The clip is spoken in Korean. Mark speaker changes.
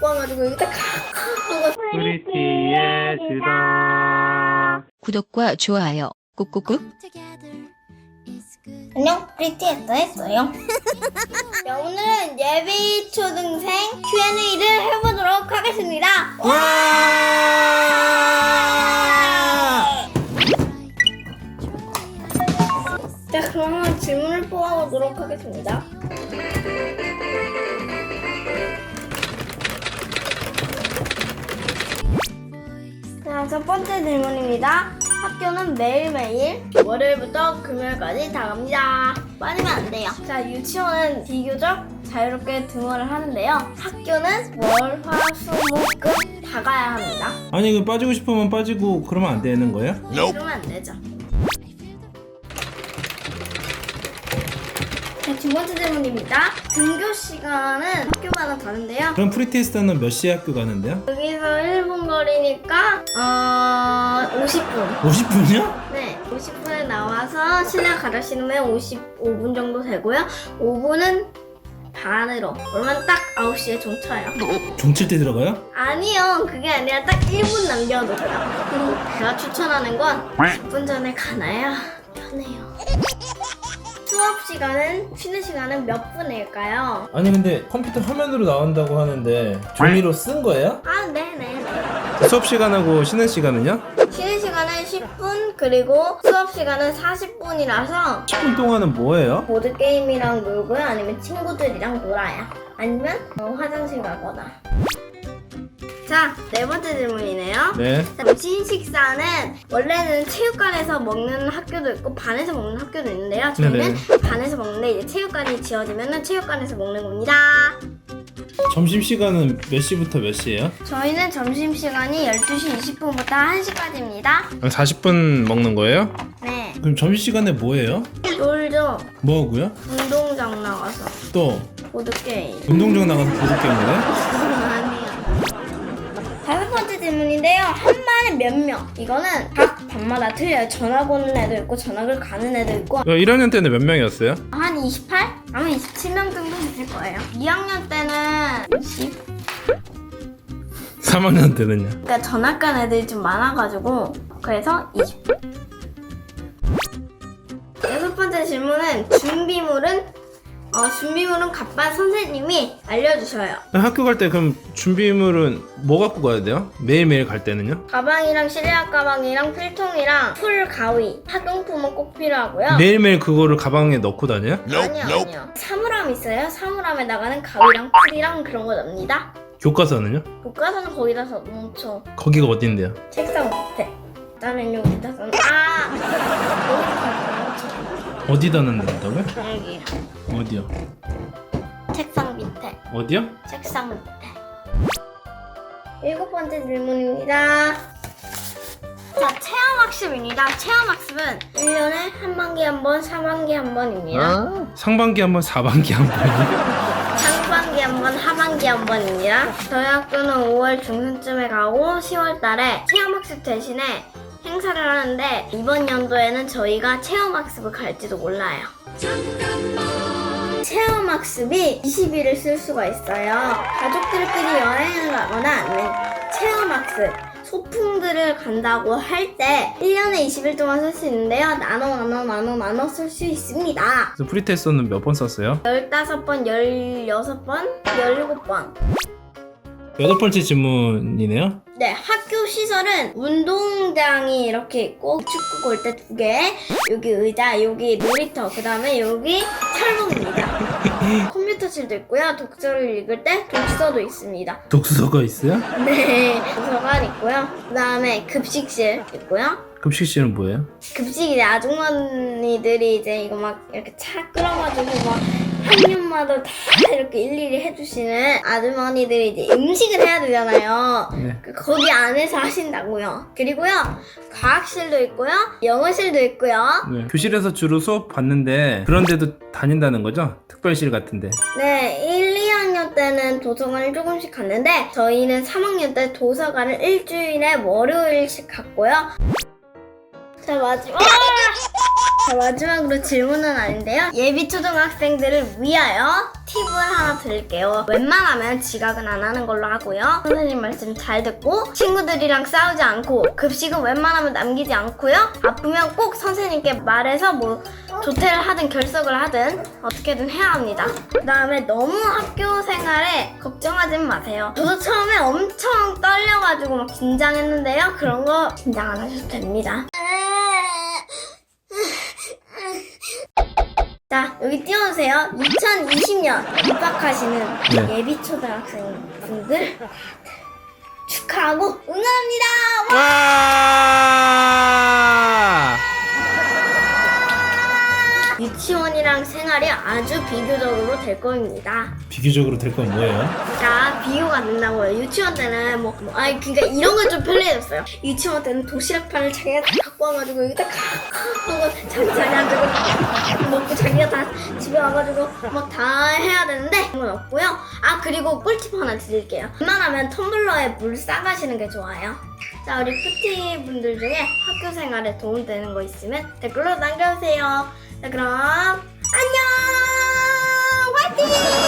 Speaker 1: 와가지고 여기다 칵칵
Speaker 2: 프리티의 주다.
Speaker 3: 구독과 좋아요 꾹꾹꾹.
Speaker 1: 안녕, 프리티에서 했어요. 자, 오늘은 예비 초등생 Q&A를 해보도록 하겠습니다.
Speaker 2: 와!
Speaker 1: 자, 그러면 질문을 뽑아보도록 하겠습니다. 자, 첫 번째 질문입니다. 학교는 매일매일 월요일부터 금요일까지 다 갑니다. 빠지면 안 돼요. 자, 유치원은 비교적 자유롭게 등원을 하는데요. 학교는 월, 화, 수, 목, 금 다 가야 합니다.
Speaker 2: 아니 그 빠지고 싶으면 빠지고 그러면 안 되는 거야?
Speaker 1: 그러면 안 되죠. 자, 두 번째 질문입니다. 등교 시간은 학교마다 다른데요.
Speaker 2: 그럼 프리테스트는 몇 시에 학교 가는데요?
Speaker 1: 여기서 1분 거리니까 50분.
Speaker 2: 50분이요?
Speaker 1: 네, 50분에 나와서 신랑 가르 신으면 55분 정도 되고요. 5분은 반으로. 그러면 딱 9시에 종 쳐요.
Speaker 2: 종칠 때 들어가요?
Speaker 1: 아니요, 그게 아니라 딱 1분 남겨놓고요. 제가 추천하는 건 10분 전에 가나요? 편해요. 수업 시간은, 쉬는 시간은 몇 분일까요?
Speaker 2: 아니 근데 컴퓨터 화면으로 나온다고 하는데 종이로 쓴 거예요?
Speaker 1: 아, 네네.
Speaker 2: 수업 시간하고 쉬는 시간은요?
Speaker 1: 쉬는 시간은 10분, 그리고 수업 시간은 40분이라서
Speaker 2: 10분 동안은 뭐예요?
Speaker 1: 보드게임이랑 놀고요. 아니면 친구들이랑 놀아요. 아니면 화장실 가거나. 자, 네 번째 질문이네요.
Speaker 2: 네.
Speaker 1: 점심 식사는 원래는 체육관에서 먹는 학교도 있고 반에서 먹는 학교도 있는데요. 저희는 반에서 먹는데 이제 체육관이 지어지면 체육관에서 먹는 겁니다.
Speaker 2: 점심시간은 몇 시부터 몇 시예요?
Speaker 1: 저희는 점심시간이 12시 20분부터 1시까지입니다.
Speaker 2: 40분 먹는 거예요?
Speaker 1: 네.
Speaker 2: 그럼 점심시간에 뭐예요?
Speaker 1: 놀죠.
Speaker 2: 뭐 하고요?
Speaker 1: 운동장 나가서
Speaker 2: 또
Speaker 1: 보드게임.
Speaker 2: 운동장 나가서 보드게임을 해?
Speaker 1: 아니요. 다섯 번째 질문인데요. 한 반에 몇 명? 이거는 각 반마다 틀려요. 전학 오는 애도 있고 전학을 가는 애도 있고.
Speaker 2: 1학년 때는 몇 명이었어요?
Speaker 1: 한 28? 아마 27명 정도 됐을 거예요. 2학년 때는 10?
Speaker 2: 3학년 때는요?
Speaker 1: 그러니까 전학 간 애들이 좀 많아가지고 그래서 20. 여섯 번째 질문은 준비물은 갑반 선생님이 알려주셔요.
Speaker 2: 학교 갈 때 그럼 준비물은 뭐 갖고 가야 돼요? 매일매일 갈 때는요?
Speaker 1: 가방이랑 실내화 가방이랑 필통이랑 풀, 가위, 학용품은 꼭 필요하고요.
Speaker 2: 매일매일 그거를 가방에 넣고 다녀요?
Speaker 1: 아니요. 사물함 있어요. 사물함에 나가는 가위랑 풀이랑 그런 거 넣습니다.
Speaker 2: 교과서는요?
Speaker 1: 교과서는 거기다 넣죠.
Speaker 2: 거기가 어딘데요?
Speaker 1: 책상 밑에. 나는 여기다 써.
Speaker 2: 어디다 넣는다고요?
Speaker 1: 여기.
Speaker 2: 어디요?
Speaker 1: 책상 밑에.
Speaker 2: 어디요?
Speaker 1: 책상 밑에. 일곱 번째 질문입니다. 자, 체험학습입니다. 체험학습은 1년에 한 반기 한 번, 4반기 한 번입니다.
Speaker 2: 상반기 한 번, 4반기 한 번이요?
Speaker 1: 상반기 한 번, 하반기 한 번입니다. 저희 학교는 5월 중순쯤에 가고 10월 달에 체험학습 대신에 행사를 하는데 이번 연도에는 저희가 체험학습을 갈지도 몰라요. 체험학습이 20일을 쓸 수가 있어요. 가족들끼리 여행을 가거나 아니면 체험학습, 소풍들을 간다고 할 때 1년에 20일 동안 쓸 수 있는데요. 나눠 쓸 수 있습니다.
Speaker 2: 그래서 프리테스트는 몇 번 썼어요?
Speaker 1: 15번, 16번, 17번.
Speaker 2: 여덟 번째 질문이네요.
Speaker 1: 네, 학교 시설은 운동장이 이렇게 있고 축구 골대 2개, 여기 의자, 여기 놀이터, 그 다음에 여기 철봉입니다. 컴퓨터실도 있고요. 독서를 읽을 때 독서도 있습니다.
Speaker 2: 독서가 있어요?
Speaker 1: 네, 도서관 있고요. 그 다음에 급식실 있고요.
Speaker 2: 급식실은 뭐예요?
Speaker 1: 급식이 아주머니들이 이제 이거 막 이렇게 차 끓여가지고 막 한 년마다 다 이렇게 일일이 해주시는 아주머니들이 이제 음식을 해야 되잖아요.
Speaker 2: 네.
Speaker 1: 거기 안에서 하신다고요. 그리고요, 과학실도 있고요, 영어실도 있고요.
Speaker 2: 네. 교실에서 주로 수업 받는데 그런 데도 다닌다는 거죠? 특별실 같은데.
Speaker 1: 네, 1, 2학년 때는 도서관을 조금씩 갔는데 저희는 3학년 때 도서관을 일주일에 월요일씩 갔고요. 자, 마지막 자, 마지막으로 질문은 아닌데요. 예비 초등학생들을 위하여 팁을 하나 드릴게요. 웬만하면 지각은 안 하는 걸로 하고요. 선생님 말씀 잘 듣고 친구들이랑 싸우지 않고 급식은 웬만하면 남기지 않고요. 아프면 꼭 선생님께 말해서 뭐 조퇴를 하든 결석을 하든 어떻게든 해야 합니다. 그 다음에 너무 학교 생활에 걱정하지 마세요. 저도 처음에 엄청 떨려가지고 막 긴장했는데요. 그런 거 긴장 안 하셔도 됩니다. 자, 여기 띄워주세요. 2020년 입학하시는
Speaker 2: 네.
Speaker 1: 예비 초등학생 분들 축하하고 응원합니다. 와!
Speaker 2: 와!
Speaker 1: 유치원이랑 생활이 아주 비교적으로 될 겁니다.
Speaker 2: 비교적으로 될 건 뭐예요?
Speaker 1: 자, 비교가 된다고요. 유치원 때는 그러니까 이런 건 좀 편리해졌어요. 유치원 때는 도시락판을 자기가 다 갖고 와가지고 여기다 하고 자기 자리 앉고 먹고 자기가 다 집에 와가지고 막 다 해야 되는데 그런 건 없고요. 아, 그리고 꿀팁 하나 드릴게요. 웬만하면 텀블러에 물 싸가시는 게 좋아요. 자, 우리 푸티 분들 중에 학교 생활에 도움되는 거 있으면 댓글로 남겨주세요. 자, 그럼 안녕! 화이팅!